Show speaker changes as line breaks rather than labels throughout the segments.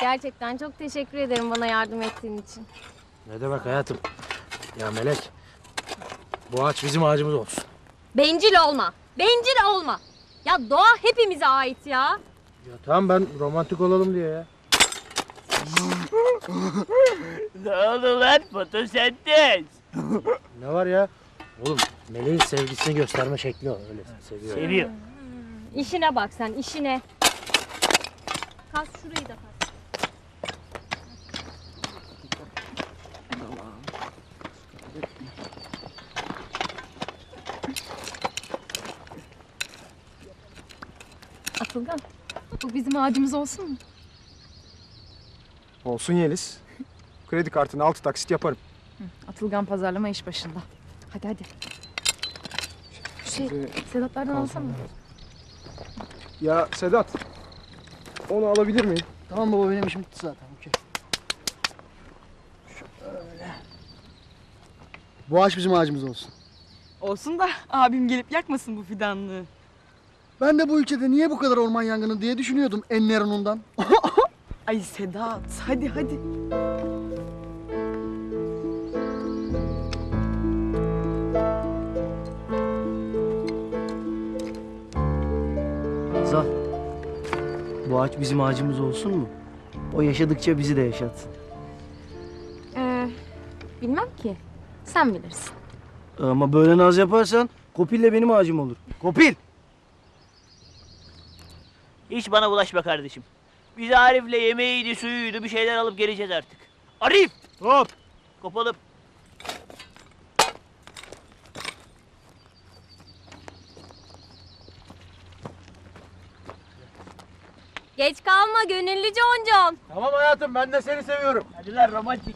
Gerçekten çok teşekkür ederim bana yardım ettiğin için.
Ne demek hayatım? Ya Melek, bu ağaç bizim ağacımız olsun.
Bencil olma. Bencil olma. Ya doğa hepimize ait ya.
Ya tamam, ben romantik olalım diye ya.
Ne oldu lan fotosentez?
Ne var ya? Oğlum, Melek'in sevgisini gösterme şekli o. Öyle seviyor.
Seviyor.
İşine bak sen, işine. Kas şurayı da kas. Atılgan, bu bizim ağacımız olsun mu?
Olsun Yeliz. Kredi kartını 6 taksit yaparım.
Atılgan pazarlama iş başında. Hadi hadi. Sedatlardan alsana.
Ya Sedat, onu alabilir miyim?
Tamam baba, benim işim bitti zaten. Okey. Şöyle. Bu ağaç bizim ağacımız olsun.
Olsun da abim gelip yakmasın bu fidanlığı.
Ben de bu ülkede niye bu kadar orman yangını diye düşünüyordum Enneron'undan.
Ay Sedat, hadi hadi.
Zal, bu ağaç bizim ağacımız olsun mu? O yaşadıkça bizi de yaşatsın.
Bilmem ki. Sen bilirsin.
Ama böyle naz yaparsan Kopil'le benim ağacım olur. Kopil!
Hiç bana bulaşma kardeşim. Biz Arif'le yemeğiydi, suyuydu bir şeyler alıp geleceğiz artık. Arif!
Hop!
Kopalım.
Geç kalma gönüllü Concon.
Tamam hayatım, ben de seni seviyorum.
Hadi lan romantik.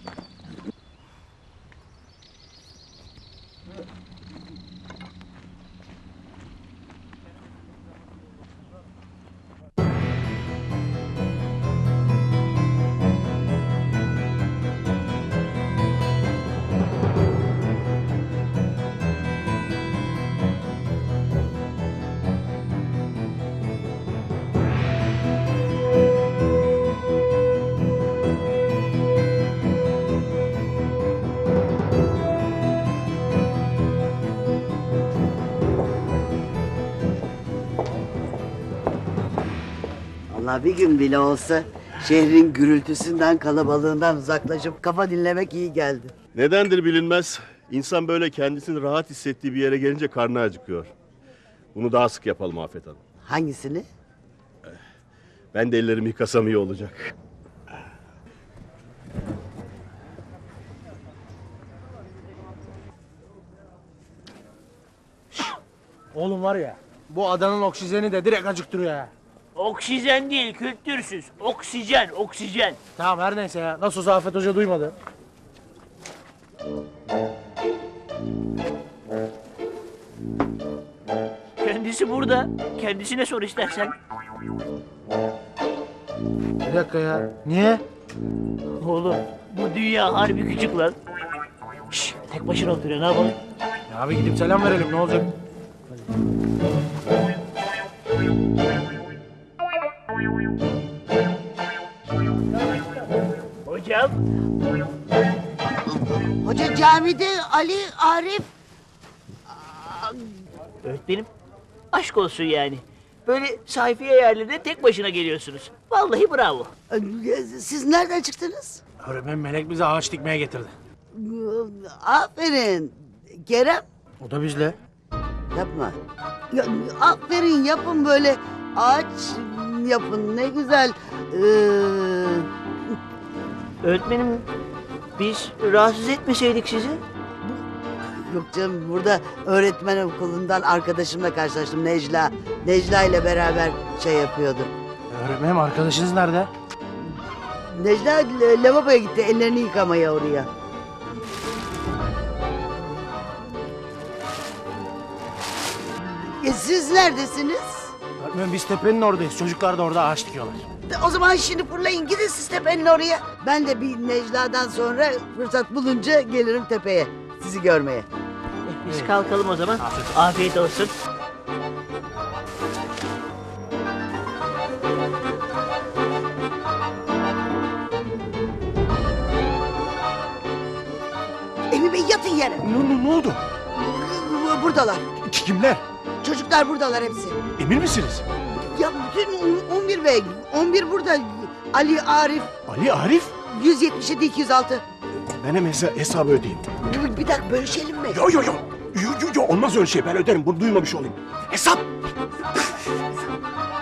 Allah bir gün bile olsa şehrin gürültüsünden, kalabalığından uzaklaşıp kafa dinlemek iyi geldi.
Nedendir bilinmez. İnsan böyle kendisini rahat hissettiği bir yere gelince karnı acıkıyor. Bunu daha sık yapalım Afet Hanım.
Hangisini?
Ben de ellerimi yıkasam iyi olacak.
Oğlum var ya, bu adanın oksijeni de direkt acıktırıyor ya.
Oksijen değil, kültürsüz. Oksijen, oksijen.
Tamam, her neyse ya. Nasıl olsa Afet Hoca duymadı.
Kendisi burada. Kendisine sor istersen.
Bir dakika ya. Niye?
Oğlum, bu dünya harbi küçük lan. Şşş, tek başına oturuyor, ne yapalım?
Ya abi gidip selam verelim, ne olacak?
Hocam.
Hoca camide, Ali, Arif.
Öğretmenim, aşk olsun yani. Böyle sayfiye yerlerine tek başına geliyorsunuz. Vallahi bravo.
Siz nereden çıktınız?
Öğretmen Melek bizi ağaç dikmeye getirdi.
Aferin. Kerem,
O da bizle.
yapma. Ya, aferin, yapın böyle. Ağaç yapın, ne güzel.
Öğretmenim, biz rahatsız etmeseydik sizi.
Yok canım, burada öğretmen okulundan arkadaşımla karşılaştım, Necla. Necla ile beraber şey yapıyordu.
Öğretmenim, arkadaşınız nerede?
Necla lavaboya gitti, ellerini yıkamaya oraya. Siz neredesiniz?
Öğretmenim, biz tepenin oradayız. Çocuklar da orada ağaç dikiyorlar.
O zaman şimdi fırlayın, gidin siz tepenin oraya. Ben de bir Necla'dan sonra fırsat bulunca gelirim tepeye sizi görmeye.
Biz kalkalım o zaman. Afiyet olsun.
Avni Bey yatın yere.
Ne oldu?
Buradalar.
Kimler?
Çocuklar buradalar hepsi.
Emin misiniz?
Ya bütün 11 Bey. 11 burada. Ali, Arif.
Ali, Arif?
177 206.
Ben hemen hesabı ödeyeyim.
Bir dakika bölüşelim mi?
Yo, olmaz öyle şey. Ben öderim. Bunu duymamış olayım. Hesap!